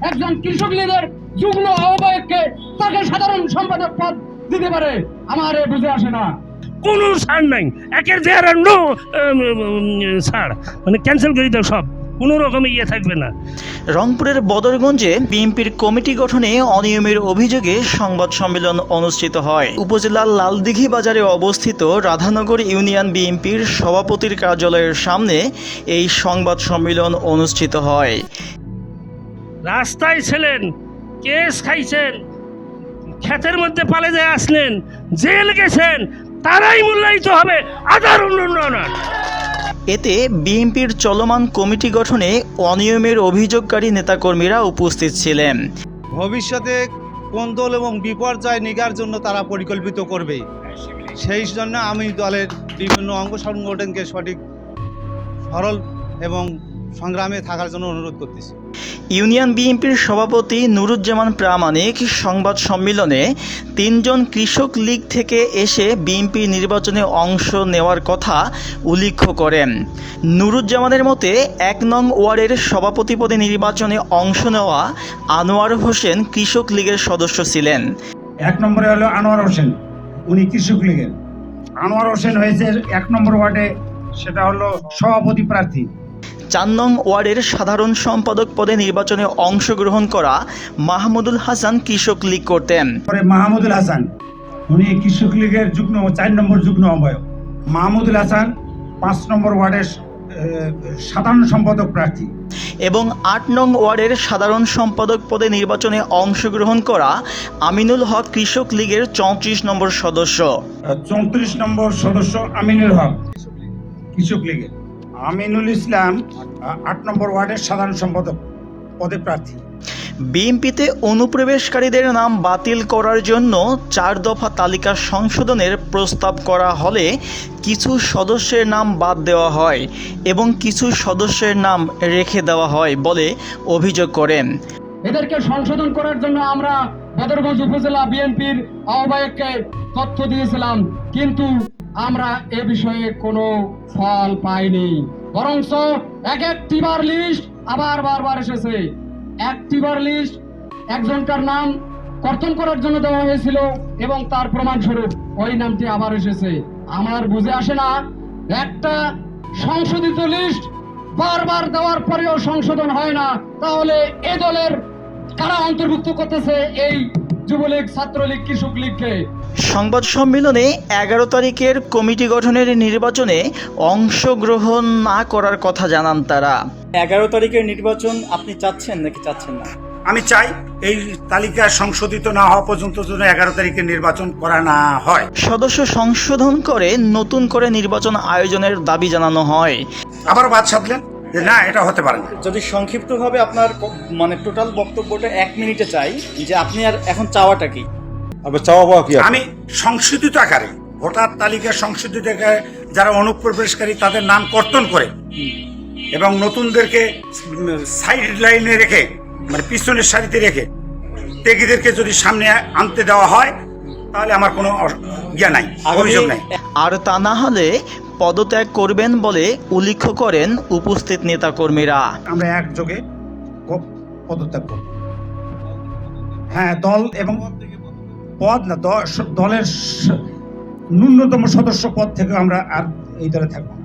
একজন কৃষক লীগের যুগ্ম আহ্বায়ককে তাকে সাধারণ সম্পাদক পদ দিতে পারে? আমার বুঝে আসে না। কোনো ছাড় নাই, একের দেয়ার আর নো ছাড়, মানে ক্যান্সেল করে দাও সব, কোনো রকমে ইয়ে থাকবে না। রংপুরের বদরগঞ্জে বিএনপির কমিটি গঠনে অনিয়মের অভিযোগে সংবাদ সম্মেলন অনুষ্ঠিত হয়। উপজেলার লালদিঘি বাজারে অবস্থিত রাধানগর ইউনিয়ন বিএনপির সভাপতির কার্যালয়ের সামনে এই সংবাদ সম্মেলন অনুষ্ঠিত হয়। রাস্তায় ছিলেন, কেস খাইছেন, ক্ষেতের মধ্যে পালে যায় আসলেন, জেল গেছেন, তারাই মূল্যায়িত হবে, আদার অন্য না। এতে বিএনপির চলমান কমিটি গঠনে অনিয়মের অভিযোগকারী নেতাকর্মীরা উপস্থিত ছিলেন। ভবিষ্যতে কোন দল এবং বিপর্যয় নিগার জন্য তারা পরিকল্পিত করবে, সেই জন্য আমি দলের বিভিন্ন অঙ্গ সংগঠনকে সঠিক সরল এবং সংগ্রামে থাকার জন্য অনুরোধ করতেছি। ইউনিয়ন বিএনপির সভাপতি নুরুজ্জামান প্রামাণিক সংবাদ সম্মেলনে 3 জন কৃষক লীগ থেকে এসে বিএনপি নির্বাচনে অংশ নেওয়ার কথা উল্লেখ করেন। নুরুজ্জামানের মতে 1 নং ওয়ার্ডের সভাপতি পদে নির্বাচনে অংশ নেওয়া আনোয়ার হোসেন কৃষক লীগের সদস্য ছিলেন। 1 নম্বরে হলো আনোয়ার হোসেন, উনি কৃষক লীগের। আনোয়ার হোসেন হয়েছে 1 নম্বর ওয়ার্ডে, সেটা হলো সভাপতি প্রার্থী। 4 নং ওয়ার্ডের সাধারণ সম্পাদক পদে নির্বাচনে অংশগ্রহণ করা মাহমুদুল হাসান কৃষক লীগ করতেন। পরে মাহমুদুল হাসান, উনি কৃষক লীগের 4 নম্বর যুগ্ম আহ্বায়ক। মাহমুদুল হাসান 5 নম্বর ওয়ার্ডের সাধারণ সম্পাদক প্রার্থী। এবং 8 নং ওয়ার্ডের সাধারণ সম্পাদক পদে নির্বাচনে অংশগ্রহণ করা আমিনুল হক কৃষক লীগের 34 নম্বর সদস্য। 34 নম্বর সদস্য আমিনুল হক কৃষক লীগের। আমিনুল ইসলাম 8 নম্বর ওয়ার্ডের সাধারণ সম্পাদক পদে প্রার্থী। বিএনপিতে অনুপ্রবেশকারীদের নাম বাতিল করার জন্য 4 দফা তালিকা সংশোধনের প্রস্তাব করা হলে কিছু সদস্যের নাম বাদ দেওয়া হয় এবং কিছু সদস্যের নাম রেখে দেওয়া হয় বলে অভিযোগ করেন। এদেরকে সংশোধন করার জন্য আমরা বদরগঞ্জ উপজেলা বিএনপির আহ্বায়ককে তথ্য দিয়েছিলাম, কিন্তু আমরা এ বিষয়ে কোনো ফল পাইনি। বরঞ্চ একটিবার লিস্ট আবার বারবার এসেছে। একটিবার লিস্ট একজনকার নাম কর্তন করার জন্য দেওয়া হয়েছিল এবং তার প্রমাণস্বরূপ ওই নামটি আবার এসেছে। আমার বুঝে আসে না, একটা সংশোধিত লিস্ট বারবার দেওয়ার পরেও সংশোধন হয় না, তাহলে এ দলের কারা অন্তর্ভুক্ত করতেছে এই যুবলীগ, ছাত্রলীগ, কৃষক লীগকে? সংবাদ সম্মেলনে 11 তারিখের কমিটি গঠনের নির্বাচনে অংশগ্রহণ না করার কথা জানান তারা। 11 তারিখের নির্বাচন আপনি চাচ্ছেন নাকি চাচ্ছেন না? আমি চাই এই তালিকা সংশোধিত না হওয়া পর্যন্ত যেন 11 তারিখের নির্বাচন করা না হয়। সদস্য সংশোধন করে নতুন করে নির্বাচন আয়োজনের দাবি জানানো হয়। আবার বাদ সাধলেন যে না, এটা হতে পারে না। যদি সংক্ষিপ্তভাবে আপনার মানে টোটাল বক্তব্যটা 1 মিনিটে চাই, যে আপনি আর এখন চাওয়াটা কি? আমি সংশোধিত আকারে ভোটার তালিকা সংশোধিত আকারে যারা অনুপ্রবেশকারী তাদের নাম কর্তন করে এবং নতুনদেরকে সাইড লাইনে রেখে, মানে পিছনের সারিতে রেখে ত্যাগীদেরকে যদি সামনে আনতে দেওয়া হয়, তাহলে আমার কোনো নাই, অভিযোগ নাই। আর তা না হলে পদত্যাগ করবেন বলে উল্লেখ করেন উপস্থিত নেতাকর্মীরা। আমরা একযোগে পদত্যাগ করব। হ্যাঁ, দল এবং পদ না, দলের ন্যূনতম সদস্য পদ থেকে আমরা আর এই দলে থাকবো।